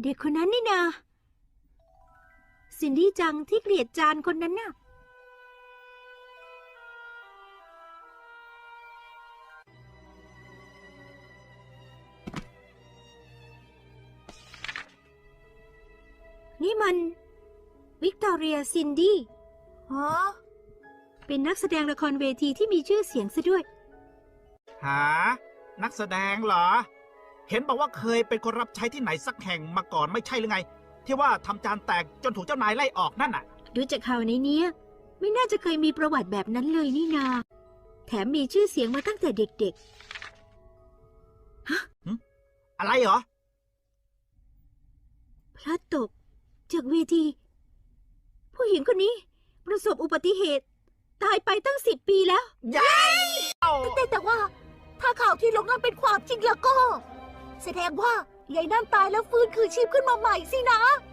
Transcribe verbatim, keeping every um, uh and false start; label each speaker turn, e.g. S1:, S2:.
S1: เด็กคนนั้นนี่นาซินดี้จังที่เกลียดจานคนนั้นน่ะนี่มันวิกตอเรียซินดี้ฮะเป็นนักแสดงละครเวทีที่มีชื่อเสียงซะด้วย
S2: หานักแสดงเหรอเห็นบอกว่าเคยเป็นคนรับใช้ที่ไหนสักแห่งมาก่อนไม่ใช่หรือไงที่ว่าทำจานแตกจนถูกเจ้านายไล่ออกนั่นน่ะ
S1: ดูจากข่าวในนี้ไม่น่าจะเคยมีประวัติแบบนั้นเลยนี่นาแถมมีชื่อเสียงมาตั้งแต่เด็กๆฮะ
S2: อะไรเหรอ
S1: พลัดตกจากเวทีผู้หญิงคนนี้ประสบอุบัติเหตุตายไปตั้งสิบปีแล้ว
S2: ยัย
S1: แต่แต่ว่าถ้าข่าวที่ลงนั้นเป็นความจริงแล้วก็แสดงว่ายายนั่นตายแล้วฟื้นคืนชีพขึ้นมาใหม่สินะ